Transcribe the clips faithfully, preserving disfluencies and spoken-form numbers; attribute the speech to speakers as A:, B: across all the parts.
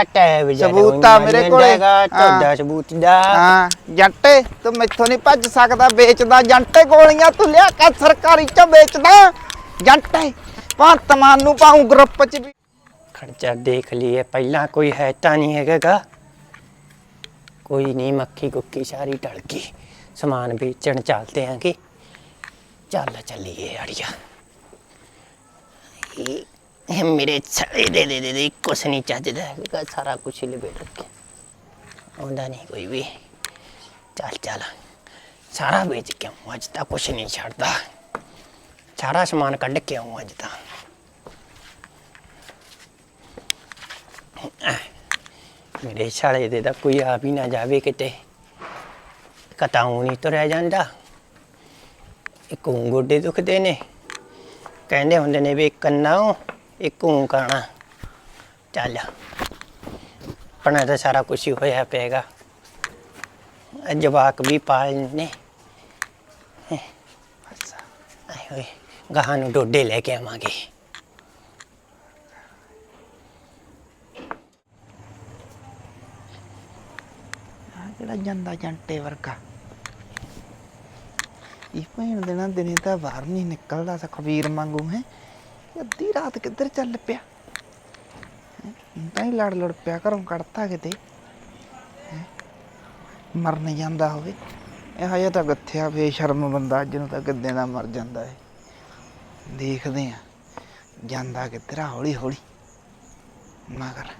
A: सबूत मेरे को सबूत जंटे तू मैथों नहीं भज सकदा बेचदा जंटे गोलियां तू लिया कर सरकारी च बेचदा जंटे भगत मान नूं पाऊं ग्रुप च भी
B: खर्चा देख लिए पहला कोई है ता नहीं हैगा कोई नहीं मक्खी कुक्की सारी टल गई समान बेचण चलते हैं कि चल चलिए अड़िया मेरे छड़े दे दे दे दे कुछ नहीं चजदा है सारा कुछ ही लपेट रखे आंदा नहीं कोई भी चल चल सारा बेच के आऊँ अज तक कुछ नहीं छड़ता सारा समान कढ़ के आऊँ अज तक मेरे छाले दे दा कोई आ भी ना जावे किते कताऊं नहीं तो रह जांदा एक गोडे दुखते ने कहंदे हुंदे ने भी कन्ना एक काना चल अपना तो सारा कुछ ही होया पेगा जवाक भी पालने गाह नूं डोडे लेके आवांगे
A: जांदा जंटे वर्गा भैन देना दिन तो बाहर नहीं निकलता सखबीर मांगू है अद्धी रात किधर चल पिया ही लड़ लड़ पिया घरों कड़ता किते मर नहीं जाता होवे यह तो गत्थिया बेशर्म बंदा अज नूं तां किद्दे दा मर जाता है देखते हैं जांदा किधर हौली हौली मगर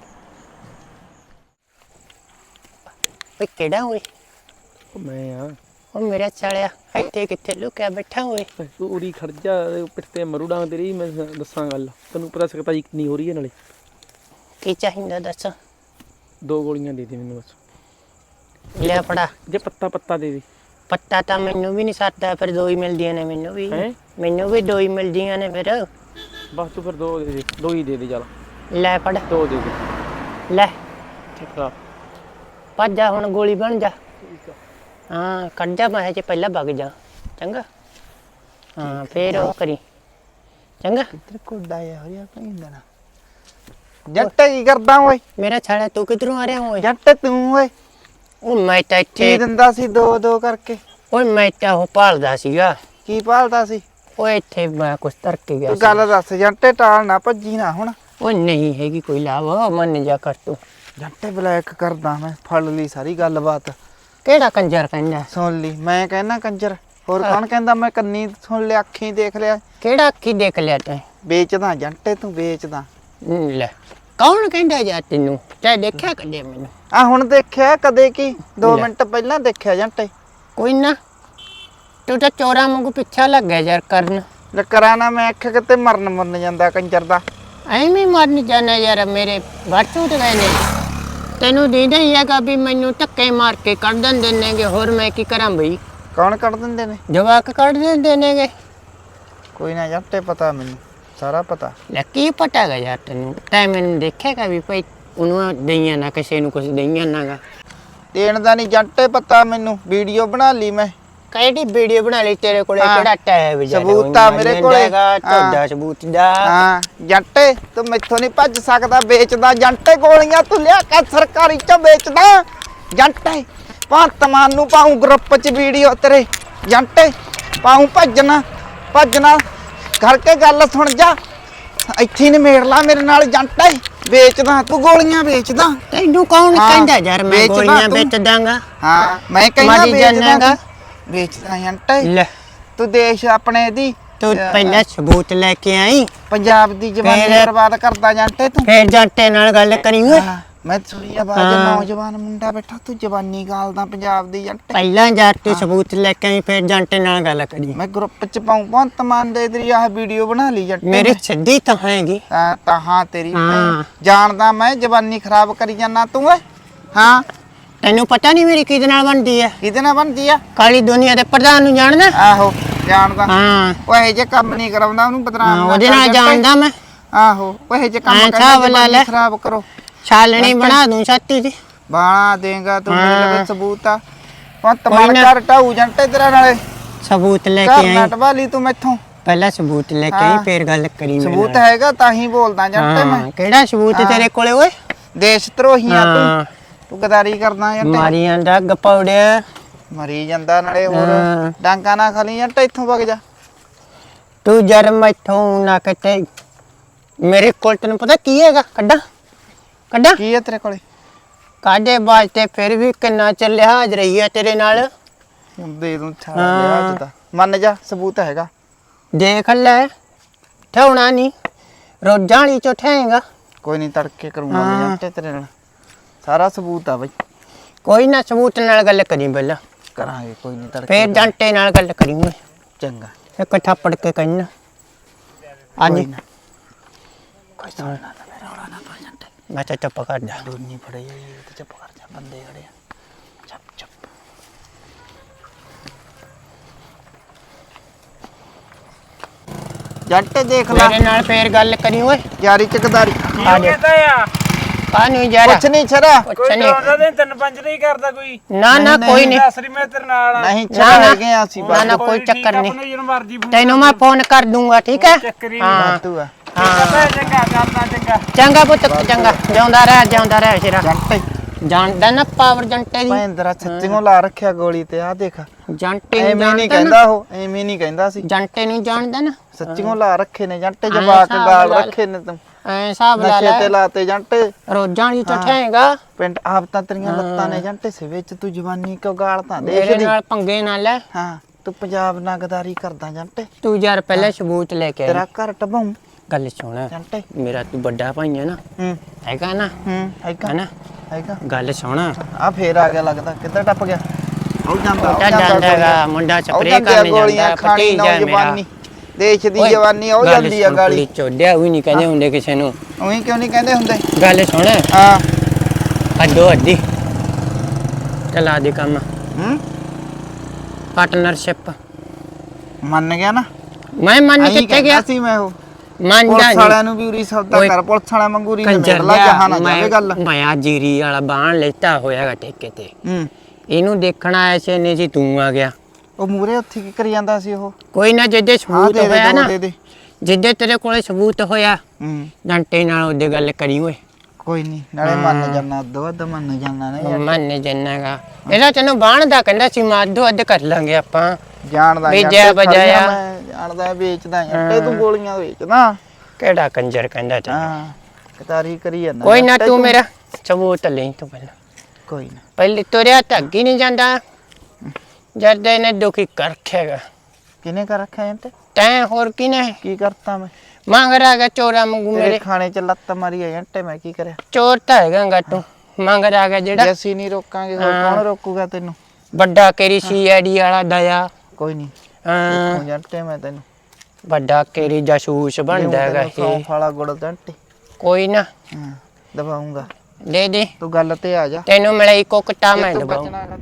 B: केड़ा होए
C: मैं हां
B: ओ मेरा चालिया इत्थे किथे लुकिया बैठा होए
C: पूरी खर्जा पिटते मरू डांग तेरी मैं दसां गल तैनूं पता सकता जी कितनी हो रही है नाले
B: की चाहिदा दस
C: दो गोलियां दे दे मैनूं बस
B: ले पड़ा
C: जे पत्ता पत्ता दे दे
B: पत्ता तां मैनूं भी नहीं सरदा फिर दो ही मिलदियां ने मैनूं भी मैनूं भी दो ही मिलदियां ने फिर
C: बस तू फिर दो दे दे दो ही दे दे चल
B: ले पड़
C: दो दे दे
B: ले
C: ठीक है
B: भज जा हुण गोली बन जा हाँ कट जा मैं पहला भग जा चंगा हाँ फिर वो करी चंगा
A: किधर कोडा आया हो या भैन देना जंटे की करदा ओए
B: मेरा छाड़ा तू किधरों आ रहा ओए
A: जंटे तू ओए
B: ओ मैं ਤਾਂ ਇੱਥੇ
A: ਕੀ ਦਿੰਦਾ ਸੀ ਦੋ ਦੋ ਕਰਕੇ
B: ਓਏ ਮੈਂ ਤਾਂ ਉਹ ਭਾਲਦਾ ਸੀਗਾ
A: ਕੀ ਭਾਲਦਾ ਸੀ
B: ਓਏ ਇੱਥੇ ਮੈਂ ਕੁਛ ਤਰ ਕੇ ਗਿਆ
A: ਤੂੰ ਗੱਲ ਦੱਸ ਜੰਟੇ ਟਾਲ ਨਾ ਭੱਜੀ ਨਾ ਹੁਣ
B: ਓਏ ਨਹੀਂ ਹੈਗੀ ਕੋਈ ਲਾਭ ਮੰਨ ਜਾ ਕਰ ਤੂੰ
A: ਜੰਟੇ ਬਲੈਕ ਕਰਦਾ ਮੈਂ ਫੜ ਲਈ ਸਾਰੀ ਗੱਲਬਾਤ
B: ਕਿਹੜਾ ਕੰਜਰ ਕਹਿੰਦਾ
A: ਸੁਣ ਲਈ ਮੈਂ ਕਹਿਣਾ ਕੰਜਰ ਹੋਰ ਕੌਣ ਕਹਿੰਦਾ ਮੈਂ ਕੰਨੀ ਸੁਣ ਲਿਆ ਅੱਖੀਂ ਦੇਖ ਲਿਆ
B: ਕਿਹੜਾ ਅੱਖੀ ਦੇਖ ਲਿਆ ਤੈਂ
A: ਵੇਚਦਾ ਜੰਟੇ ਤੂੰ ਵੇਚਦਾ
B: ਲੈ ਕੌਣ ਕਹਿੰਦਾ ਜਾ ਤੈਨੂੰ ਤੈਂ ਦੇਖਿਆ ਕਦੇ ਮੈਨੂੰ
A: ਆ ਹੁਣ ਦੇਖਿਆ ਕਦੇ ਕੀ ਦੋ ਮਿੰਟ ਪਹਿਲਾਂ ਦੇਖਿਆ ਜੰਟੇ
B: ਕੋਈ ਨਾ ਤੂੰ ਤਾਂ ਚੋਰਾਂ ਵਾਂਗੂ ਪਿੱਛਾ ਲੱਗ ਗਿਆ ਯਾਰ ਕਰਨ
A: ਕਰਾਂ ਨਾ ਮੈਂ ਅੱਖ ਕਿਤੇ ਮਰਨ ਮਰਨ ਜਾਂਦਾ ਕੰਜਰ ਦਾ
B: ਐਵੇਂ ਮਰਨ ਜਾਣਾ ਯਾਰ ਮੇਰੇ ਵਾਟੂ ਤੇ ਗਏ ਨੇ ਤੈਨੂੰ ਦੀਦਾ ਹੀ ਹੈਗਾ ਵੀ ਮੈਨੂੰ ਧੱਕੇ ਮਾਰ ਕੇ ਕੱਢ ਦਿੰਦੇ ਨੇਗੇ ਹੋਰ ਮੈਂ ਕੀ ਕਰਾਂ ਬਈ
A: ਕੌਣ ਕੱਢ ਦਿੰਦੇ ਨੇ
B: ਜਵਾਕ ਕੱਢ ਦਿੰਦੇ ਨੇਗੇ
A: ਕੋਈ ਨਾ ਜੰਟੇ ਪਤਾ ਮੈਨੂੰ ਸਾਰਾ ਪਤਾ
B: ਲੈ ਕੀ ਪਤਾ ਗਾ ਯਾਰ ਤੈਨੂੰ ਤੈਂ ਮੈਨੂੰ ਦੇਖੇਗਾ ਵੀ ਭਾਈ ਉਹਨੂੰ ਦਈਆਂ ਨਾ ਕਿਸੇ ਨੂੰ ਕੁਝ ਦਈਆਂ ਨਾਗਾ
A: ਦੇਣ ਦਾ ਨਹੀਂ ਜੰਟੇ ਪਤਾ ਮੈਨੂੰ ਵੀਡੀਓ ਬਣਾ ਲਈ ਮੈਂ
B: ਕਿਹੜੀ ਵੀਡੀਓ ਬਣਾ ਲਈ ਤੇਰੇ ਕੋਲੇ ਕਿਹੜਾ ਟੈਬ ਯਾਰ
A: ਸਬੂਤ ਆ ਮੇਰੇ ਕੋਲੇ
B: ਤੁਹਾਡਾ ਸਬੂਤ ਦਾ
A: ਹਾਂ ਜੰਟੇ ਤੂੰ ਮੈਥੋਂ ਨਹੀਂ ਭੱਜ ਸਕਦਾ ਵੇਚਦਾ ਜੰਟੇ ਗੋਲੀਆਂ ਤੂੰ ਲਿਆ ਕਰ ਸਰਕਾਰੀ ਚ ਵੇਚਦਾ ਜੰਟੇ ਭਗਤ ਮਾਨ ਨੂੰ ਪਾਉਂ ਗਰੁੱਪ ਚ ਵੀਡੀਓ ਤੇਰੇ ਜੰਟੇ ਪਾਉਂ ਭੱਜਣਾ ਭੱਜਣਾ ਕਰਕੇ ਗੱਲ ਸੁਣ ਜਾ ਇੱਥੇ ਨੇ ਮੇੜ ਲਾ ਮੇਰੇ ਨਾਲ ਜੰਟੇ ਵੇਚਦਾ ਤੂੰ ਗੋਲੀਆਂ ਵੇਚਦਾ
B: ਤੈਨੂੰ ਕੌਣ ਕਹਿੰਦਾ ਯਾਰ ਮੈਂ ਗੋਲੀਆਂ ਵੇਚ ਦਾਂਗਾ
A: ਹਾਂ ਮੈਂ ਕਹਿੰਦਾ ਵੇਚਦਾ ਵੇਚਦਾ ਜੰਟੇ ਲੈ ਤੂੰ ਦੇਸ਼ ਆਪਣੇ ਦੀ
B: ਤੂੰ ਪਹਿਲਾਂ ਸਬੂਤ ਲੈ ਕੇ ਆਈ
A: ਪੰਜਾਬ ਦੀ ਜਵਾਨੀ ਬਰਬਾਦ ਕਰਦਾ ਜੰਟੇ ਤੂੰ
B: ਫੇਰ ਜੰਟੇ ਨਾਲ ਗੱਲ ਕਰੀ ਓਏ
A: ਮੈਂ ਸੁਣੀ ਆਵਾਜ਼ ਨੌਜਵਾਨ ਮੁੰਡਾ ਬੈਠਾ ਤੂੰ ਜਵਾਨੀ ਗਾਲਦਾ ਪੰਜਾਬ ਦੀ ਜੰਟੇ
B: ਪਹਿਲਾਂ ਜਾ ਕੇ ਸਬੂਤ ਲੈ ਕੇ ਆਈ ਫੇਰ ਜੰਟੇ ਨਾਲ ਗੱਲ ਕਰੀ
A: ਮੈਂ ਗਰੁੱਪ ਚ ਪਾਉਂ ਭਗਤ ਮਾਨ ਦੇ ਤੇਰੀ ਆਹ ਵੀਡੀਓ ਬਣਾ ਲਈ ਜੰਟੇ
B: ਮੇਰੇ ਸਿੱਧੀ ਤਾਂ ਹੈਗੀ
A: ਹਾਂ ਤਾਂ ਹਾਂ ਤੇਰੀ ਜਾਣਦਾ ਮੈਂ ਜਵਾਨੀ ਖਰਾਬ ਕਰੀ ਜਾਨਾ ਤੂੰ ਓਏ ਹਾਂ
B: ਤੈਨੂੰ ਪਤਾ ਨਹੀਂ ਮੇਰੀ ਕਿਹਦੇ ਨਾਲ ਬਣਦੀ ਹੈ
A: ਕਿਹਦੇ ਨਾਲ ਬਣਦੀ ਆ
B: ਕਾਲੀ ਦੁਨੀਆ ਦੇ ਪ੍ਰਧਾਨ ਨੂੰ ਜਾਣਦਾ
A: ਆਹੋ ਜਾਣਦਾ
B: ਹਾਂ
A: ਉਹ ਇਹ ਜੇ ਕੰਮ ਨਹੀਂ ਕਰਾਉਂਦਾ ਉਹਨੂੰ ਬਦਨਾਮ
B: ਉਹਦੇ ਨਾਲ ਜਾਣਦਾ ਮੈਂ
A: ਆਹੋ ਉਹ ਇਹ ਜੇ ਕੰਮ ਕਰਦਾ ਖਰਾਬ ਕਰੋ
B: ਛਾਲਣੀ ਬਣਾ ਦੂੰ ਛਾਤੀ ਦੀ
A: ਬਾਣਾ ਦੇਗਾ ਤੂੰ ਮੇਰੇ ਲਵੇ ਸਬੂਤ ਆ ਪੱਤ ਮਾਰ ਕਰ ਟਾਉ ਜੰਟੇ ਤੇਰਾ ਨਾਲੇ
B: ਸਬੂਤ ਲੈ ਕੇ ਆਈ
A: ਨਟ ਵਾਲੀ ਤੂੰ ਮੈਥੋਂ
B: ਪਹਿਲਾਂ ਸਬੂਤ ਲੈ ਕੇ ਆਈ ਫੇਰ ਗੱਲ ਕਰੀ
A: ਸਬੂਤ ਹੈਗਾ ਤਾਂ ਹੀ ਬੋਲਦਾ ਜੰਟੇ ਮੈਂ
B: ਕਿਹੜਾ ਸਬੂਤ ਤੇਰੇ ਕੋਲੇ ਓਏ
A: ਦੇਸ਼ ਧਰੋਹੀਆਂ
B: ਹਾਂ।
A: ਤੂੰ ਤੂੰ ਗਦਾਰੀ ਕਰਦਾ ਜੰਟੇ
B: ਮਾਰੀ ਜਾਂਦਾ ਗਪੌੜਿਆ
A: ਮਰੀ ਜਾਂਦਾ ਨਾਲੇ ਹੋਰ
B: ਹਾਂ।
A: ਡਾਂਗਾ ਨਾ ਖਾਲੀ ਜੰਟੇ ਇੱਥੋਂ ਵਗ ਜਾ
B: ਤੂੰ ਜਰ ਮੈਥੋਂ ਨਾ ਕੱਟੇ ਮੇਰੇ ਕੋਲ ਤੈਨੂੰ ਪਤਾ ਕੀ ਹੈਗਾ ਕੱਢਾਂ ਕੱਢਾਂ
A: ਕੀ ਹੈ ਤੇਰੇ ਕੋਲੇ
B: ਕਾਡੇ ਬਾਜਤੇ ਫਿਰ ਵੀ ਕਿੰਨਾ ਚੱਲਿਆ ਹਾਜ਼ਰ ਰਹੀ ਹੈ ਤੇਰੇ ਨਾਲ
A: ਹੁਣ ਦੇ ਦੂੰ ਛਾੜ ਲਿਆ ਅੱਜ ਦਾ ਮੰਨ ਜਾ ਸਬੂਤ ਹੈਗਾ
B: ਦੇਖ ਲੈ ਠਾਉਣਾ ਨਹੀਂ ਰੋਜ਼ਾਂ ਵਾਲੀ ਚੋਂ ਠਾਏਗਾ
A: ਕੋਈ ਨਹੀਂ ਤੜਕੇ ਕਰੂੰਗਾ ਮੈਂ
B: ਹਾਂ।
A: ਜੰਟੇ ਤੇਰੇ ਨਾਲ ਸਾਰਾ ਸਬੂਤ ਆ ਬਈ
B: ਕੋਈ ਨਾ ਸਬੂਤ ਨਾਲ ਗੱਲ ਕਰੀ ਪਹਿਲਾਂ
A: ਕਰਾਂਗੇ ਕੋਈ ਨਹੀਂ ਤੜਕੇ
B: ਫੇਰ ਜੰਟੇ ਨਾਲ ਗੱਲ ਕਰੀ ਮੈਂ
A: ਚੰਗਾ
B: ਇੱਕ ਥੱਪੜ ਕੇ ਕਹਿਣਾ
A: ਕੋਈ
B: ਅੱਜ
A: ਨਾ ਕੋਈ ਸੁਣਨਾ ਨਾ ਮੇਰਾ ਰੌਲਾ ਨਾ ਪਾ ਜੰਟੇ
B: ਮੈਂ ਤਾਂ ਚੁੱਪ ਕਰ ਜਾ
A: ਦੋਨੀ ਫੜੇ ਜਾਈ ਤੇ ਚੁੱਪ ਕਰ ਜਾ ਬੰਦੇ ਖੜੇ ਆ ਚੁੱਪ ਚੁੱਪ ਜੰਟੇ ਦੇਖ ਲੈ
B: ਮੇਰੇ ਨਾਲ ਫੇਰ ਗੱਲ ਕਰੀ ਓਏ
A: ਯਾਰੀ ਚੱਕਦਾਰੀ
B: ਆ ਜਾ ਆ ਨਹੀਂ ਜਾ
A: ਕੁਛ ਨਹੀਂ ਛਰਾ
B: ਕੁਛ ਨਹੀਂ
C: ਦੇ ਤਿੰਨ ਪੰਜ ਨਹੀਂ ਕਰਦਾ ਕੋਈ
B: ਨਾ ਨਾ ਕੋਈ ਨਹੀਂ
C: ਦੱਸ ਰਹੀ ਮੈਂ ਤੇਰੇ ਨਾਲ
A: ਨਹੀਂ
B: ਨਾ,
A: ਛਰਾ
B: ਨਾ।
A: ਹੈਗੇ ਆ ਅਸੀਂ
B: ਨਾ ਨਾ
A: ਬਾਤ
B: ਕੋਈ ਚੱਕਰ ਨਹੀਂ
C: ਜਿਹਨੂੰ ਮਰਜੀ ਫੋਨ
B: ਤੈਨੂੰ ਮੈਂ ਫੋਨ ਕਰ ਦੂੰਗਾ ਠੀਕ ਹੈ
C: ਚੱਕਰੀ
B: ਹਾਂ
A: ਤੂੰ ਆ
B: ਹਾਂ
C: ਚੰਗਾ ਕਰਦਾ ਚੰਗਾ
B: ਚੰਗਾ ਪੁੱਤ ਚੰਗਾ ਜਿਉਂਦਾ ਰਹਿ ਜਿਉਂਦਾ ਰਹਿ ਸ਼ੇਰਾ
A: ਜੰਟੇ
B: ਜਾਣਦਾ ਨਾ ਪਾਵਰ ਜੰਟੇ ਦੀ
A: ਭੈਂਦਰਾ ਸੱਚੀਓ ਲਾ ਰੱਖਿਆ ਗੋਲੀ ਤੇ ਆ ਦੇਖ
B: ਜੰਟੇ ਨੂੰ
A: ਐਵੇਂ ਨਹੀਂ
B: ਜਾਣਦਾ ਨਾ
A: ਕਹਿੰਦਾ ਉਹ ਐਵੇਂ ਨਹੀਂ ਕਹਿੰਦਾ ਸੀ
B: ਜੰਟੇ ਨੂੰ ਜਾਣਦਾ ਨਾ
A: ਸੱਚੀਓ ਲਾ ਰੱਖੇ ਨੇ ਜੰਟੇ
B: ਐਂ
A: ਜਵਾਕ
B: ਹਿਸਾਬ
A: ਗਾਲ
B: ਲਾ ਲੈ।
A: ਰੱਖੇ ਨੇ ਤੂੰ
B: ਐ ਹਿਸਾਬ ਲਾ
A: ਨਸ਼ੇ ਤੇ
B: ਲੈ
A: ਲਾਤੇ ਜੰਟੇ
B: ਰੋਜ਼ਾਂ ਵਾਲੀ
A: ਹਾਂ।
B: ਚਠੇਗਾ
A: ਪਿੰਡ ਆਪ ਤਾਂ ਤੇਰੀਆਂ ਲੱਤਾਂ ਨੇ ਜੰਟੇ ਸੇ ਵਿੱਚ ਤੂੰ ਜਵਾਨੀ ਕਿਉਂ ਗਾਲ ਤਾਂ
B: ਮੇਰੇ
A: ਦੇਖਦੀ
B: ਨਾਲ ਪੰਗੇ ਨਾ ਲੈ
A: ਹਾਂ ਤੂੰ ਪੰਜਾਬ ਨਾਲ ਗਦਾਰੀ ਕਰਦਾ ਜੰਟੇ
B: ਤੂੰ ਯਾਰ ਪਹਿਲੇ ਸਬੂਤ ਲੈ ਕੇ
A: ਤੇਰਾ
B: ਆਈ
A: ਘਰ ਟਬਾਉ
B: ਗੱਲ ਸੁਣ
A: ਜੰਟੇ
B: ਮੇਰਾ ਤੂੰ ਵੱਡਾ ਭਾਈ ਹੈ ਨਾ
A: ਹੂੰ
B: ਹੈਗਾ ਨਾ
A: ਹੂੰ ਹੈਗਾ
B: ਹੈਨਾ
A: ਹੈਗਾ
B: ਗੱਲ ਸੁਣ
A: ਆ ਫੇਰ ਆ ਗਿਆ ਲੱਗਦਾ ਕਿੱਧਰ ਟੱਪ ਗਿਆ ਉਹ ਜਾਂਦਾ ਉਹ
B: ਤਾਂ ਜਾਂਦਾ ਹੈਗਾ ਮੁੰਡਾ ਸਪਰੇਅ ਕਰਨ ਜਾਂਦਾ
A: ਖਾਣੀ
B: ਭਤੀਜਾ ਮੇਰਾ
A: ਨੌਜਵਾਨੀ ਦੇਸ਼ ਦੀ
B: ਓਏ,
A: ਜਵਾਨੀ ਉਹ
B: ਗੱਲ
A: ਜਾਂਦੀ ਆ
B: ਸੁਣ,
A: ਗਾਲੀ
B: ਕੁੜੀ ਚੋਦਿਆ ਵੀ ਨਹੀਂ ਕਹਿੰਦੇ ਹੁੰਦੇ ਕਿਸੇ ਨੂੰ
A: ਉਹੀ ਕਿਉਂ ਨਹੀਂ ਕਹਿੰਦੇ ਹੁੰਦੇ
B: ਗੱਲ ਸੁਣ
A: ਹਾਂ
B: ਅੱਡੋ ਅੱਡੀ ਚਲਾ ਦੇ ਕੰਮ
A: ਹੂੰ
B: ਪਾਰਟਨਰਸ਼ਿਪ
A: ਮੰਨ ਗਿਆ ਨਾ
B: ਮੈਂ ਮੰਨ
A: ਅਹੀਂ
B: ਕਿੱਥੇ ਗਿਆ
A: ਕਹਿੰਦਾ ਸੀ ਮੈਂ ਉਹ
B: ਮੰਨ
A: ਪੁਲਿਸ
B: ਜਾ
A: ਵਾਲਿਆਂ ਨੂੰ ਵੀ ਉਰੀ ਸੌਦਾ
B: ਓਏ,
A: ਕਰ ਪੁਲਿਸ ਵਾਲਿਆਂ ਮੰਗੂਰੀ ਨੇ
B: ਕੰਜਰ
A: ਮੇਲਾ ਜਹਾਂ ਨਾ ਜਾਵੇ ਗੱਲ
B: ਮੈਂ ਮੈਂ ਆ ਜੀਰੀ ਵਾਲਾ ਬਾਣ ਲੈਤਾ ਹੋਇਆਗਾ ਠੇਕੇ ਤੇ
A: ਹੂੰ
B: ਇਹਨੂੰ ਦੇਖਣ ਆਇਆ ਸੀ ਨੇ ਜੀ ਤੂੰ ਆ ਗਿਆ
A: ਉਹ ਮੂਰੇ ਉੱਥੇ ਕੀ ਕਰੀ ਜਾਂਦਾ ਸੀ ਉਹ
B: ਕੋਈ ਨਾ ਜਿੱਦੇ
A: ਹਾਂ
B: ਸਬੂਤ
A: ਦੇ ਦੇ
B: ਹੋਇਆ
A: ਦੋ
B: ਨਾ
A: ਦੇ ਦੇ
B: ਜਿੱਦੇ ਤੇਰੇ ਕੋਲੇ ਸਬੂਤ ਹੋਇਆ
A: ਹੂੰ
B: ਜੰਟੇ ਨਾਲ ਉਹਦੇ ਗੱਲ ਕਰੀ ਓਏ
A: ਕੋਈ ਨਹੀਂ ਨਾਲੇ ਮੰਨ ਜਾਣਾ ਦੋ ਅੱਧ ਮੰਨ ਜਾਣਾ ਨੇ ਯਾਰ।
B: ਮੰਨ ਜੰਨਾਗਾ ਇਹਦਾ ਤੈਨੂੰ ਬਾਣ ਦਾ ਕਹਿੰਦਾ ਸੀ ਮੈਂ ਅੱਧੋ ਅੱਧ ਕਰ ਲਾਂਗੇ ਆਪਾਂ
A: ਜਾਣਦਾ
B: ਵੀ
A: ਯਾਰ,
B: ਜੈ
A: ਤੇ ਖੜੀਆਂ
B: ਬਜਾਇਆ।
A: ਮੈਂ ਜਾਣਦਾ ਵੇਚਦਾ ਯਾਰ ਤੇ ਤੂੰ ਗੋਲੀਆਂ ਵੇਚਦਾ
B: ਕਿਹੜਾ ਕੰਜਰ ਕਹਿੰਦਾ ਤੈਨੂੰ
A: ਹਾਂ ਕਤਾਰੀ ਕਰੀ ਜਾਂਦਾ
B: ਕੋਈ ਨਾ
A: ਯਾਰ, ਤੇ
B: ਤੂੰ ਮੇਰਾ ਸਬੂਤ ਲੈ ਤੂੰ ਪਹਿਲਾਂ
A: ਕੋਈ ਨਾ
B: ਪਹਿਲੇ ਤੁਰਿਆ ਤਾਂ ਅੱਗੇ ਨਹੀਂ ਜਾਂਦਾ ਜਦ ਇਹਨੇ ਦੁਖੀ ਕਰ ਰੱਖਿਆਗਾ
A: ਕਿਨੇ ਕਰ ਰੱਖਿਆ ਜੰਟੇ
B: ਤੈਂ ਹੋਰ ਕਿਨੇ
A: ਕੀ ਕਰਤਾ ਮੈਂ
B: ਮੰਗ ਰਾਗਾ ਚੋਰਾ ਮੰਗੂ
A: ਮੇਰੇ
B: ਮੇਰੇ
A: ਖਾਣੇ ਚ ਲੱਤ ਮਾਰੀ ਆ ਜੰਟੇ ਮੈਂ ਕੀ ਕਰਿਆ
B: ਚੋਰ ਤਾਂ ਹੈਗਾ ਤੂੰ ਮੰਗ ਰਾਗਾ
A: ਜੇ
B: ਜਿਹੜਾ
A: ਅਸੀਂ ਨਹੀਂ ਰੋਕਾਂਗੇ ਹੋਰ
B: ਹਾਂ।
A: ਕੌਣ ਰੋਕੂਗਾ ਤੈਨੂੰ
B: ਵੱਡਾ ਕੇਰੀ ਸੀ ਆਈਡੀ ਵਾਲਾ ਦਇਆ
A: ਕੋਈ ਨਹੀਂ
B: ਹਾਂ,
A: ਉਹ ਜੰਟੇ ਮੈਂ ਤੈਨੂੰ
B: ਵੱਡਾ ਕੇਰੀ ਜਾਸੂਸ ਬਣਦਾ ਹੈਗਾ ਇਹ
A: ਸੌਂਫ ਵਾਲਾ ਗੁੜ ਜੰਟੇ
B: ਕੋਈ ਨਾ
A: ਹਾਂ ਦਬਾਉਂਗਾ
B: ਦੇ ਦੇ
A: ਤੂੰ ਗੱਲ ਤੇ ਆ ਜਾ
B: ਤੈਨੂੰ ਮਿਲਿਆ ਇੱਕੋ ਕਟਾ ਮੈਂ
A: ਜੇ ਤੂੰ
B: ਦਬਾਉ
A: ਬਚਣਾ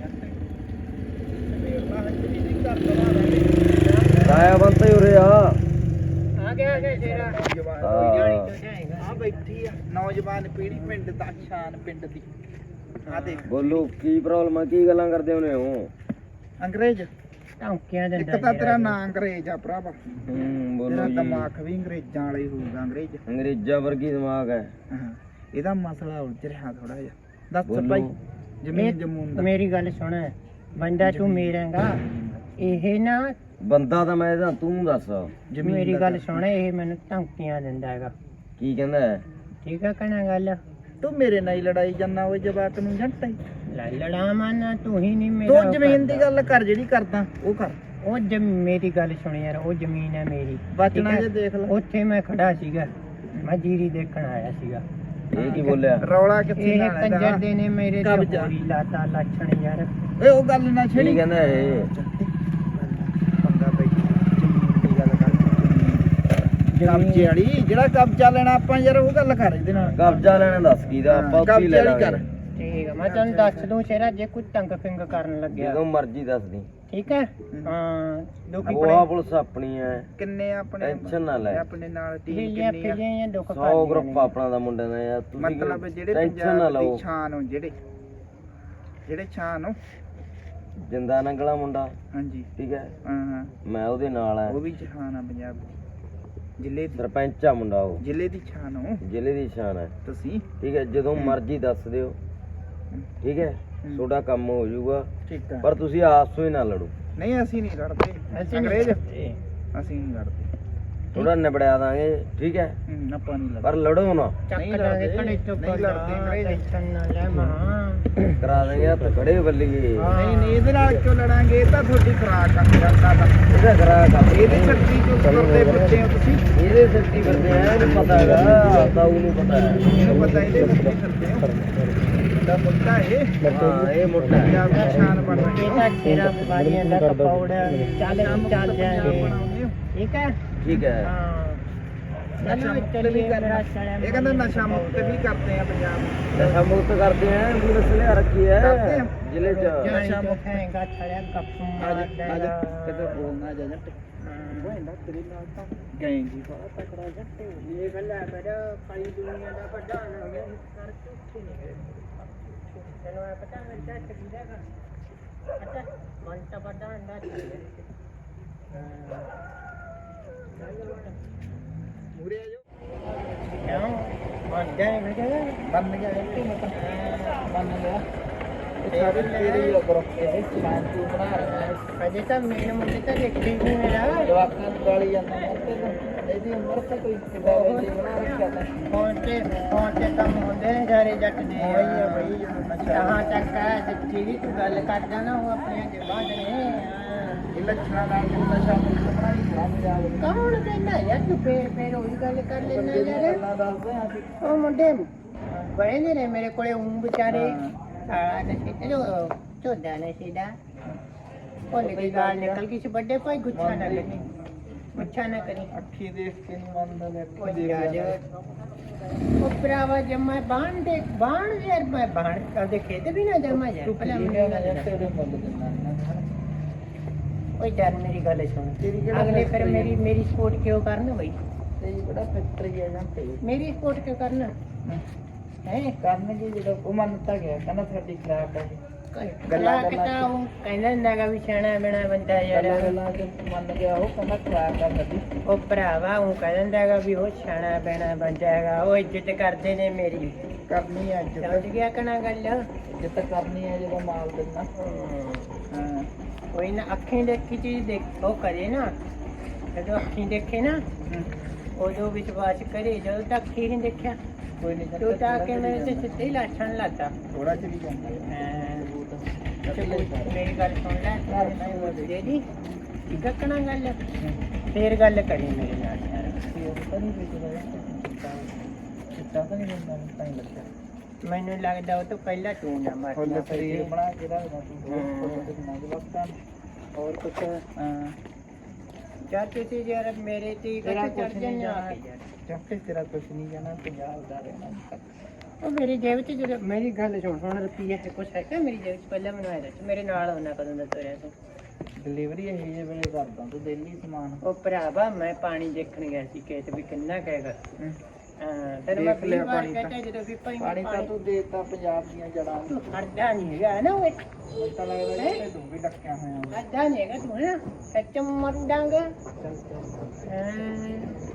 D: ਆਇਆ ਬੰਤਾ ਹੀ ਉਰੇ ਆ
B: ਆ ਗਿਆ ਆ ਗਿਆ ਤੇਰਾ
A: ਆ ਬੈਠੀ ਆ ਨੌਜਵਾਨ ਪੀੜ੍ਹੀ ਪਿੰਡ ਦਾ ਸ਼ਾਨ ਪਿੰਡ ਦੀ ਆ ਦੇਖ
D: ਬੋਲੋ ਕੀ ਪ੍ਰੋਬਲਮ ਆ ਕੀ ਗੱਲਾਂ ਕਰਦੇ ਹੋਨੇ ਹੋ
A: ਅੰਗਰੇਜ਼
B: ਧੌਂਕਿਆਂ
A: ਇੱਕ
B: ਦਿੰਦਾ
A: ਤਾਂ ਤੇਰਾ ਨਾਂ ਅੰਗਰੇਜ਼ ਆ ਭਰਾਵਾ
D: ਹੂੰ ਬੋਲੋ
A: ਤੇਰਾ
D: ਜੀ
A: ਦਿਮਾਗ ਵੀ ਅੰਗਰੇਜ਼ਾਂ ਵਾਲਾ ਹੀ ਹੋਊਗਾ ਅੰਗਰੇਜ਼
D: ਅੰਗਰੇਜ਼ਾਂ ਵਰਗੀ ਦਿਮਾਗ ਹੈ
A: ਹਾਂ ਇਹਦਾ ਮਸਲਾ ਉਲਝ ਰਿਹਾ ਥੋੜਾ ਜਿਹਾ ਦੱਸ
D: ਬੋਲੋ।
A: ਭਾਈ ਜ਼ਮੀਨ ਜਮੂਨ ਦਾ
B: ਮੇਰੀ ਗੱਲ ਸੁਣ ਬੰਦਾ ਤੂੰ ਮੇਰਾਂਗਾ ਇਹ ਨਾ
D: ਬੰਦਾ ਤਾਂ ਮੈਂ ਇਹਦਾ ਤੂੰ ਦੱਸ
A: ਜ਼ਮੀਨ
B: ਮੇਰੀ
A: ਦਾ
B: ਗੱਲ
A: ਦੱਸ।
B: ਸੁਣ ਇਹ ਮੈਨੂੰ ਧਮਕੀਆਂ ਦਿੰਦਾ ਹੈਗਾ
D: ਕੀ ਕਹਿੰਦਾ ਹੈ?
B: ਠੀਕ ਹੈ ਕਹਣਾ ਗੱਲ
A: ਤੂੰ ਮੇਰੇ ਨਾਲ ਹੀ ਲੜਾਈ ਜਾਂਦਾ ਉਹ ਜਵਾਕ ਨੂੰ ਜੰਟਾ ਹੀ
B: ਲੈ ਲੜਾਵਾਂ ਨਾ ਤੂੰ ਹੀ ਨਹੀਂ ਮੇਰਾ
A: ਤੂੰ
B: ਉਹ
A: ਜ਼ਮੀਨ ਦੀ
B: ਕਰਦਾ।
A: ਗੱਲ ਕਰ ਜਿਹੜੀ ਕਰਦਾ ਉਹ ਕਰ
B: ਉਹ ਜਮ ਮੇਰੀ ਗੱਲ ਸੁਣ ਯਾਰ ਉਹ ਜ਼ਮੀਨ ਹੈ ਮੇਰੀ
A: ਬਚਣਾ
B: ਠੀਕ ਹੈ?
A: ਜੇ ਦੇਖ ਲੈ
B: ਉੱਥੇ ਮੈਂ ਖੜਾ ਸੀਗਾ ਮੈਂ ਜੀਰੀ ਦੇਖਣ ਆਇਆ ਸੀਗਾ
D: ਇਹ ਕੀ ਬੋਲਿਆ
A: ਰੌਲਾ ਕਿੱਥੇ
B: ਇਹ
A: ਨਾਲ ਇਹਦਾ?
B: ਕੰਜਰ ਦੇ ਨੇ ਮੇਰੇ ਤੇ
A: ਕਬਜ਼ਾ।
B: ਹੋਰੀ ਲਾਤਾ ਲੱਛਣ ਯਾਰ
A: ਓਏ ਉਹ ਗੱਲ ਨਾ
D: ਕੀ
A: ਛੇੜੀ
D: ਕਹਿੰਦਾ ਇਹ
A: ਬੰਦਾ ਬਈ ਜ਼ਮੀਨ ਦੀ ਗੱਲ ਕਰ ਕਬਜ਼ੇ
B: ਜ਼ਮੀਨ
A: ਵਾਲੀ ਜਿਹੜਾ ਕਬਜ਼ਾ ਲੈਣਾ ਆਪਾਂ ਯਾਰ ਉਹ ਗੱਲ ਕਰ ਇਹਦੇ ਨਾਲ
D: ਕਬਜ਼ਾ ਲੈਣਾ ਦੱਸ ਕੀ ਦਾ ਆਪਾਂ ਉੱਥੇ ਹੀ
A: ਕਬਜ਼ੇ
D: ਲੈ
A: ਵਾਲੀ ਕਰ
D: ਲਾਂਗੇ
B: ਠੀਕ ਹੈ ਮੈਂ ਤੈਨੂੰ ਦੱਸ ਦੂੰ ਸ਼ੇਰਾ ਜੇ ਕੋਈ ਤੰਗ ਫਿੰਗ ਕਰਨ ਲੱਗਿਆ
D: ਜਦੋਂ ਮਰਜ਼ੀ ਦੱਸ ਦੀ
B: ਠੀਕ ਹੈ ਹਾਂ ਦੁਖੀ
D: ਉਹ ਆ ਪੁਲਿਸ ਆਪਣੀ ਹੈ
A: ਕਿੰਨੇ ਆਪਣੇ
D: ਟੈਨਸ਼ਨ ਨਾ ਲੈ
A: ਆਪਣੇ ਨਾਲ ਟੀਮ
B: ਫਿਲੀਆਂ
A: ਕਿੰਨੀ ਆ
B: ਫਿਲੀਆਂ ਦੁੱਖ
D: ਸੌ ਗਰੁੱਪ ਆਪਣਾ ਦਾ ਮੁੰਡੇ ਦਾ ਯਾਰ ਤੁਸੀਂ
A: ਮਤਲਬ ਜਿਹੜੇ
D: ਟੈਨਸ਼ਨ ਨਾ
A: ਪੰਜਾਬ
D: ਲਓ
A: ਦੀ ਛਾਨ ਹੋ ਜਿਹੜੇ ਜਿਹੜੇ ਛਾਨ ਹੋ
D: ਜਿੰਦਾ ਨੰਗਲਾ ਮੁੰਡਾ
A: ਹਾਂਜੀ
D: ਠੀਕ ਹੈ
A: ਹਾਂ ਹਾਂ
D: ਮੈਂ ਉਹਦੇ ਨਾਲ ਆ
A: ਉਹ ਵੀ ਛਾਨ ਆ ਪੰਜਾਬ ਦੀ ਜ਼ਿਲ੍ਹੇ ਦੀ
D: ਸਰਪੰਚ ਆ ਮੁੰਡਾ ਉਹ,
A: ਜ਼ਿਲ੍ਹੇ ਦੀ ਛਾਨ ਹੋ
D: ਜ਼ਿਲ੍ਹੇ ਦੀ ਸ਼ਾਨ ਹੈ।
A: ਤੁਸੀਂ।
D: ਠੀਕ ਹੈ, ਜਦੋਂ ਮਰਜ਼ੀ ਦੱਸ ਦਿਓ। ਠੀਕ ਹੈ, ਤੁਹਾਡਾ ਕੰਮ ਹੋ ਜਾਊਗਾ,
A: ਠੀਕ ਹੈ।
D: ਪਰ ਤੁਸੀਂ ਆਪਸ ਵਿੱਚ ਨਾ ਲੜੋ।
A: ਨਹੀਂ ਅਸੀਂ ਨਹੀਂ ਲੜਦੇ ਅੰਗਰੇਜ਼, ਅਸੀਂ ਨਹੀਂ ਲੜਦੇ,
D: ਥੋੜਾ ਨਿਬੜਿਆ ਦਾਂਗੇ। ਠੀਕ ਹੈ,
A: ਹੂੰ, ਆਪਾਂ ਨਹੀਂ ਲੜਦੇ,
D: ਪਰ ਲੜੋ ਨਾ।
A: ਨਹੀਂ ਲੜਦੇ, ਨਹੀਂ ਲੜਦੇ ਅੰਗਰੇਜ਼।
D: ਕਰਾ ਦੇਂਗੇ ਹੱਥ ਖੜੇ ਬੱਲੀਏ।
A: ਨਹੀਂ ਨਹੀਂ ਇਹਦੇ ਨਾਲ ਕਿਉਂ ਲੜਾਂਗੇ? ਇਹ ਤਾਂ ਤੁਹਾਡੀ ਖੁਰਾਕ ਆ ਜਨਤਾ ਦਾ।
D: ਇਹਦਾ ਕਰਾ ਕੰਮ
A: ਇਹਦੇ ਛੱਤੀ ਕਿਉਂ ਕਰਦੇ ਫਿਰਦੇ ਹੋ ਤੁਸੀਂ?
D: ਇਹਦੇ ਸੱਚੀ ਕਰਦੇ ਆ, ਇਹਨੂੰ ਪਤਾ ਹੈਗਾ, ਤਾਂ ਉਹਨੂੰ ਪਤਾ ਹੈ।
A: ਇਹਨੂੰ ਪਤਾ ਇਹਦੇ ਛੱਤੀ ਫਿਰਦੇ ਹੋ ਦਾ ਮੁੱਦਾ ਇਹ।
D: ਹਾਂ, ਇਹ ਮੋਟਾ ਹੈ।
A: ਪੰਜਾਬ ਦੀ ਸ਼ਾਨ ਬਣ ਰਹੀ ਹੈ।
B: ਤੇਰਾ ਬਿਮਾਰੀਆਂ ਦਾ ਕਪੌੜਾ ਚੱਲ ਚੱਲ ਜਾਏ।
A: ਬਣਾਉਂਦੇ ਹੋ।
B: ਠੀਕ ਹੈ
D: ਠੀਕ ਹੈ,
B: ਹਾਂ
A: ਨਸ਼ਾ ਮੁਕਤ ਵੀ ਕਰਨਾ। ਇਹ ਕਹਿੰਦਾ ਨਸ਼ਾ ਮੁਕਤ ਵੀ ਕਰਦੇ ਆ ਪੰਜਾਬ ਨੂੰ।
D: ਨਸ਼ਾ ਮੁਕਤ ਕਰਦੇ ਆ, ਪੁਲਿਸ ਲਿਆ ਰੱਖੀ ਹੈ
A: ਕਰਦੇ ਆ।
D: ਜ਼ਿਲ੍ਹੇ ਚ।
A: ਨਸ਼ਾ ਮੁਕਤ
B: ਹੈਗਾ ਛੜਿਆ ਗੱਪ
A: ਆਜਾ ਆਜਾ
B: ਮਾਰਦਾ
A: ਕਿਤੇ ਬੋਲਣਾ ਜਾ ਜੱਟ ਗੋਇੰਦਾ ਤੇਰੇ ਨਾਲ ਤਾਂ ਗਏ ਜੀ ਬੜਾ ਤਕੜਾ ਜੱਟ।
B: ਇਹ ਗੱਲ ਹੈ ਮੇਰਾ ਕਾਲੀ ਦੁਨੀਆ ਦਾ ਵੱਡਾ ਨਾ ਗਿਆ ਕਰ ਚੁੱਕੀ ਨਹੀਂ ਤੈਨੂੰ ਇਹ ਪਤਾ ਮੇਰੇ ਜੱਟ ਕੀ ਦੇਗਾ ਅੱਛਾ ਮਨ ਤਾਂ ਵੱਡਾ ਹੁੰਦਾ
A: ਮੂਰੇ ਆ ਜਾਓ।
B: ਕਿਉਂ ਮਨ ਜਾਏ ਮੇਰੇ
A: ਬੰਨ ਗਿਆ ਇਹ ਮਤਲਬ ਬੰਨ ਗਿਆ। ਇਹ ਸਾਰੇ ਤੇਰੇ ਹੀ ਲੱਗੋ। ਇਹ ਸ਼ਾਨ ਤੂੰ ਬਣਾ ਰਿਹਾ ਹੈ।
B: ਅਜੇ ਤਾਂ ਮੇਰੇ ਮੁੰਡੇ ਤਾਂ ਦੇਖੀ ਨਹੀਂ ਮੇਰਾ
A: ਜਵਾਕਾਂ ਨੂੰ ਗਾਲੀ ਜਾਂਦਾ ਹੈ ਤੇ ਇਹਦੀ ਉਮਰ ਤਾਂ ਕੋਈ ਕਿਦਾਂ ਦੀ ਬਣਾ ਰੱਖਿਆ ਤਾਂ।
B: ਫੋਨ ਤੇ ਫੋਨ ਤੇ ਕੰਮ ਹੁੰਦੇ ਨੇ ਸਾਰੇ ਜੱਟ ਦੇ
A: ਉਹੀ ਆ ਬਈ ਜਦੋਂ ਨਸ਼ਾ
B: ਜਹਾਂ ਤੱਕ ਹੈ ਸੱਚੀ ਵੀ ਤੂੰ ਗੱਲ ਕਰਦਾ ਨਾ ਉਹ ਆਪਣੀਆਂ ਜਵਾਨ ਨੇ
A: ਇਹ ਲੱਛਣਾਂ ਨਾਲ ਤੂੰ ਨਸ਼ਾ ਮੁਕਤ ਬਣਾਈ ਜਾ ਪੰਜਾਬ ਨੂੰ।
B: ਕੌਣ ਕਹਿੰਦਾ ਯਾਰ ਤੂੰ ਫੇਰ ਫੇਰ ਉਹੀ ਗੱਲ ਕਰ ਲੈਣਾ ਯਾਰ
A: ਗੱਲਾਂ ਦੱਸਦੇ ਆ ਅਸੀਂ।
B: ਉਹ ਮੁੰਡੇ ਬੜੇ ਨੇ ਮੇਰੇ ਕੋਲੇ ਉਂ ਵਿਚਾਰੇ ਸਾਲਾ ਨਸ਼ੇ ਤੇ ਝੋਦਾ ਨਸ਼ੇ ਦਾ ਭੁੱਲ ਗਈ ਗਾਲ ਨਿਕਲ ਗਈ ਸੀ ਵੱਡੇ ਭਾਈ ਗੁੱਸਾ ਨਾ ਕਰੀ ਗੁੱਸਾ ਨਾ ਕਰੀ
A: ਅੱਖੀ ਦੇਖ ਕੇ ਨਹੀਂ ਮੰਨਦਾ ਮੈਂ
B: ਉਹ
A: ਅੱਖੀ ਦੇਖ
B: ਯਾਰ
A: ਲਿਆ।
B: ਉਹ ਭਰਾਵਾ ਜਮਾ ਬਾਣ ਦੇ ਬਾਣ ਯਾਰ ਮੈਂ ਬਾਣ ਕਰਦੇ ਖੇਤ ਵੀ ਨਾ ਜਮਾ ਜਾ
A: ਤੂੰ
B: ਪਹਿਲਾਂ
A: ਪਲੀਜ਼
B: ਮੇਰੀ
A: ਨਾ
B: ਗੱਲ
A: ਯਾਰ ਤੇਰੇ ਮੁੱਲ ਦਿੰਦਾ
B: ਓਏ ਯਾਰ ਮੇਰੀ ਗੱਲ ਸੁਣ
A: ਤੇਰੀ ਕਿਹੜਾ
B: ਅਗਲੇ ਫਿਰ
A: ਫੈਕਟਰੀ
B: ਮੇਰੀ ਮੇਰੀ ਸਪੋਰਟ ਕਿਉਂ ਕਰਨ ਬਈ
A: ਤੇ ਬੜਾ ਫੈਕਟਰੀ ਹੈ ਜਾਂ ਤੇ
B: ਮੇਰੀ ਸਪੋਰਟ ਕਿਉਂ ਕਰਨ ਹੈ
A: ਕਰਨਗੇ ਜਦੋਂ ਉਹ ਮੰਨਤਾ ਗਿਆ ਕਹਿੰਦਾ ਸਾਡੀ ਖਰਾਬ ਹੈ।
B: ਗੱਲਾਂ ਕਿਤਾ ਉਹ ਕਹਿੰਦਾ ਹੁੰਦਾਗਾ ਵੀ ਸਿਆਣਾ ਬਣਾ ਬੰਦਾ ਯਾਰ
A: ਗੱਲਾਂ ਗੱਲਾਂ ਚ ਮੰਨ ਗਿਆ ਉਹ ਕਹਿੰਦਾ ਖਰਾਬ ਕਰ ਦਿੱਤੀ।
B: ਉਹ ਭਰਾਵਾ ਉਹ ਕਹਿੰਦਾ ਹੁੰਦਾਗਾ ਵੀ ਉਹ ਸਿਆਣਾ ਬਣਾ ਬੰਦਾ ਹੈਗਾ ਉਹ ਇੱਜ਼ਤ ਕਰਦੇ ਨੇ ਮੇਰੀ
A: ਕਰਨੀ ਹੈ ਇੱਜ਼ਤ।
B: ਸਮਝ ਗਿਆ ਕਣਾ ਗੱਲ
A: ਇੱਜ਼ਤ ਕਰਨੀ ਹੈ ਜਦੋਂ ਮਾਲ ਦਿੰਦਾ। ਹਾਂ
B: ਕੋਈ ਨਾ ਅੱਖੀਂ ਦੇਖੀ ਚੀਜ਼ ਦੇਖ ਉਹ ਕਰੇ ਨਾ ਜਦੋਂ ਅੱਖੀਂ ਦੇਖੇ ਨਾ ਉਦੋਂ ਵਿਸ਼ਵਾਸ ਕਰੇ ਜਦੋਂ ਤੱਕ ਅੱਖੀਂ ਨਹੀਂ ਦੇਖਿਆ
A: ਕੋਈ ਨਹੀਂ
B: ਤੂੰ ਤਾਂ ਕਿ ਮੇਰੇ ਤੇ ਸਿੱਧੇ ਹੀ ਲਾਛਣ ਲਾਤਾ
A: ਥੋੜਾ ਚਲੀ ਜਾਂਦਾ ਹੈ।
B: ਚਲੋ ਮੇਰੀ ਗੱਲ ਸੁਣ ਲੈ ਦੇ ਦੀ ਠੀਕ ਕਣਾ ਗੱਲ ਫੇਰ ਗੱਲ ਕਰੀ ਮੇਰੇ ਨਾਲ ਯਾਰ
A: ਤਾਂ ਨਹੀਂ ਵੇਚਦਾ ਚਿੱਟਾ ਤਾਂ ਨਹੀਂ ਹੁੰਦਾ ਤਾਂ ਹੀ ਲੱਗਦਾ
B: ਮੈਨੂੰ ਲੱਗਦਾ ਉਹ ਤੋਂ ਪਹਿਲਾਂ ਤੂੰ ਨਾ ਮਾਰ
A: ਫੁੱਲ ਸਰੀਰ ਬਣਾ ਕੇ ਰੱਖਦਾ ਤੂੰ ਵਕਤਾਂ ਹੋਰ ਕੁਛ। ਹਾਂ
B: ਚਾਹ ਤੁਸੀਂ ਯਾਰ ਮੇਰੇ ਤੇ
A: ਤੇਰਾ
B: ਚੜ
A: ਕੁਛ ਨਹੀਂ
B: ਜਾਣਾ
A: ਜਾਣਾ ਚੱਕੇ ਤੇਰਾ ਕੁਛ ਨਹੀਂ ਜਾਣਾ ਪੰਜਾਬ ਦਾ ਰਹਿਣਾ।
B: ਉਹ ਮੇਰੀ ਜੇਬ 'ਚ ਜਦੋਂ ਮੇਰੀ ਗੱਲ ਸੁਣ ਹੁਣ ਰੁਪਈਆ ਹੈ ਕੁਛ ਹੈਗਾ ਮੇਰੀ ਜੇਬ 'ਚ ਪਹਿਲਾਂ ਮੈਨੂੰ ਆਇਆ ਮੇਰੇ ਨਾਲ ਹੋਣਾ ਕਦੋਂ ਦਾ ਤੁਰਿਆ ਤੂੰ
A: ਡਿਲੀਵਰੀ ਇਹ ਜਿਹੇ ਵੇਲੇ ਕਰਦਾ ਤੂੰ ਦਿੱਲੀ ਸਮਾਨ।
B: ਉਹ ਭਰਾਵਾ ਮੈਂ ਪਾਣੀ ਦੇਖਣ ਗਿਆ ਸੀ ਖੇਤ ਵੀ ਕਿੰਨਾ ਕਹੇਗਾ
A: ਹਮ।
B: ਹਾਂ ਤੈਨੂੰ ਮੈਂ
A: ਦੇਖ ਲਿਆ
B: ਪਹਿਲੀ ਵਾਰ
A: ਪਾਣੀ
B: ਕਹਿੰਦਾ
A: ਤਾਂ।
B: ਜਦੋਂ ਵੀ ਭਾਈ
A: ਪਾਣੀ ਤਾਂ ਤੂੰ ਦੇਤਾ ਪੰਜਾਬ ਦੀਆਂ ਜੜਾਂ ਨੂੰ।
B: ਤੂੰ ਹਰਦਾ ਨਹੀਂ ਹੈਗਾ ਨਾ ਉਹ
A: ਮੈਨੂੰ ਤਾਂ ਲੱਗਦਾ ਕਿ ਤੂੰ ਵੀ ਡੱਕਿਆ ਹੋਇਆ ਹੋਊ।
B: ਹਰਦਾ ਨਹੀਂ ਹੈਗਾ ਤੂੰ ਨਾ ਸੱਚ ਮਰ ਡਾਂਗਾ
A: ਚੱਲ ਚੱਲ
B: ਹਾਂ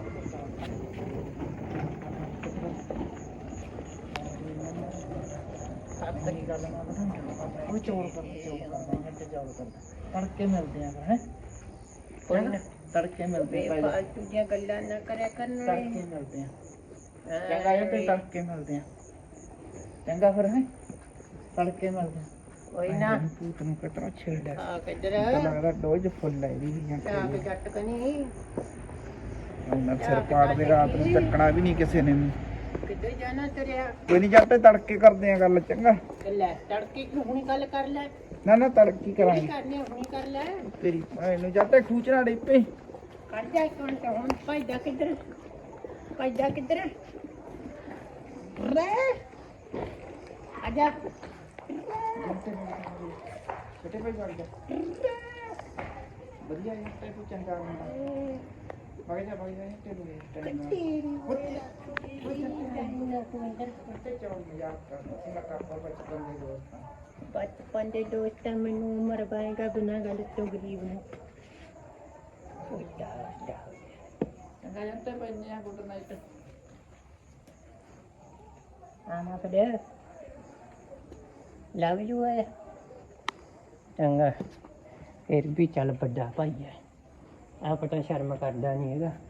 A: ਆਪਣੀ ਗੱਲ ਨਾ ਬਣਾ ਉਹ ਚੋਰ ਕਰਦਾ ਚੋਰ ਕਰਦਾ ਮੈਂ ਤੇ ਚੋਰ ਕਰਦਾ ਤੜਕੇ ਮਿਲਦੇ ਆ ਫਿਰ ਹੈ
B: ਕੋਈ ਨਾ
A: ਤੜਕੇ ਮਿਲਦੇ ਆ ਪਹਿਲਾਂ
B: ਬੇਫਾਲਤੂ ਦੀਆਂ ਗੱਲਾਂ ਨਾ ਕਰਿਆ ਕਰਨ
A: ਤੜਕੇ ਮਿਲਦੇ ਆ ਚੰਗਾ ਇਹ ਤੇ ਤੜਕੇ ਮਿਲਦੇ ਆ ਚੰਗਾ ਫਿਰ ਹੈ ਤੜਕੇ ਮਿਲਦੇ ਆ
B: ਕੋਈ ਨਾ
A: ਤੂੰ ਨੂੰ ਕਤਰਾ ਛੇੜਦਾ
B: ਆ ਕਿੱਧਰ
A: ਤਾਂ ਲੱਗਦਾ ਡੋਜ ਫੁੱਲ ਹੈ ਵੀ ਜਾਂ
B: ਚਾਹ ਕੇ ਜੱਟ ਕਨੀ
A: ਉਹਨਾਂ ਸਿਰ ਪਾੜ ਦੇ ਰਾਤ ਨੂੰ ਚੱਕਣਾ ਵੀ ਨਹੀਂ ਕਿਸੇ ਨੇ ਵੀ।
B: ਕਿੱਧਰ ਜਾਣਾ ਤੇਰਿਆ
A: ਕੋਈ ਨਹੀਂ ਜੱਟ ਤੜਕੇ ਕਰਦੇ ਆ ਗੱਲ ਚੰਗਾ।
B: ਲੈ ਤੜਕੇ ਕਿਉਂ ਹੁਣੀ ਗੱਲ ਕਰ ਲੈ
A: ਨਾ ਨਾ ਤੜਕੀ
B: ਕੀ
A: ਕਰਾਂਗੇ
B: ਕਰਨੀ ਆ, ਹੁਣੀ ਕਰ ਲੈ
A: ਤੇਰੀ ਭੈਣ ਨੂੰ ਜੱਟ ਖੂਚਣਾ ਡੇਪੇ
B: ਕਰ ਜਾ ਇੱਕ ਮਿੰਟ ਹੁਣ ਭਾਈਦਾ ਕਿੱਧਰ ਭਾਈਦਾ ਕਿੱਧਰ ਰੇ ਆਜਾ
A: ਛੋਟੇ ਭਾਈ ਵਗ ਜਾ ਵਧੀਆ ਹੈ ਤੇ ਤੂੰ ਚੰਗਾ ਮੁੰਡਾ ਵਗ ਜਾ ਵਗ ਜਾ ਤੇ ਤੂੰ ਟਾਈਮ ਨਾਲ ਤੇ ਚੌਂ ਮਜ਼ਾਕ ਕਰਦਾ ਸੀ ਮੈਂ ਕਾਪਰ ਬਚਪਨ ਦੇ ਦੋਸਤ ਹਾਂ।
B: ਬਚਪਨ ਦੇ ਦੋਸਤਾਂ ਮੈਨੂੰ ਉਮਰ ਪਾਏਗਾ ਬਿਨਾਂ ਗੱਲ ਤੋਂ ਗਰੀਬ ਨੂੰ ਚੰਗਾ ਜੰਟੇ ਪੈਨੇ ਆ ਗੁੱਡ ਨਾਈਟ ਆਮਾ ਫਿਰ ਲਵ ਯੂ ਹੈ ਚੰਗਾ ਫਿਰ ਵੀ ਚੱਲ ਵੱਡਾ ਭਾਈ ਹੈ ਆ ਪਤਾ ਸ਼ਰਮ ਕਰਦਾ ਨਹੀਂ ਹੈਗਾ